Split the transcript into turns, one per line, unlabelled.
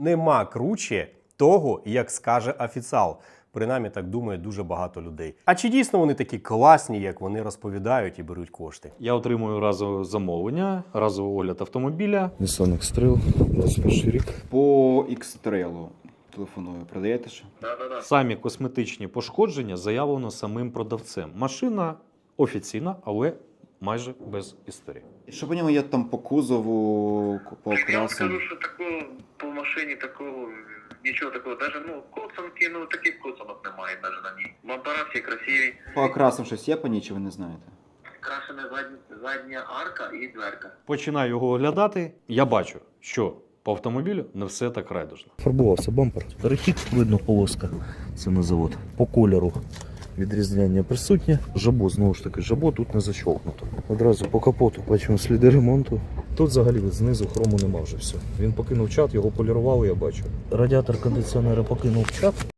Нема круче того, як скаже офіціал. Принаймні так думає дуже багато людей. А чи дійсно вони такі класні, як вони розповідають і беруть кошти?
Я отримую разове замовлення, разовий огляд автомобіля.
Nissan X-Trail, 21 рік.
По X-Trail телефоную. Продаєте ще?
Самі косметичні пошкодження заявлено самим продавцем. Машина офіційна, але майже без історії.
Що по ньому є там по кузову, по
Я вам
окрасам?
скажу, що такого по машині такого нічого такого, навіть коцанки, таких коцанок немає навіть на ній. Бампера всі красиві.
По окрасам щось є по ній, чи ви не знаєте?
Крашена задня арка і дверка.
Починаю його оглядати, я бачу, що по автомобілю не все так райдужно.
Фарбувався бампер. Перехід, видно, полоска. Це на завод. По кольору відрізняння присутнє. Жабо, знову ж таки, жабо тут не защолкнуто. Одразу по капоту бачимо сліди ремонту. Тут взагалі знизу хрому нема вже все. Він покинув чат, його полірували, я бачу. Радіатор кондиціонера покинув чат.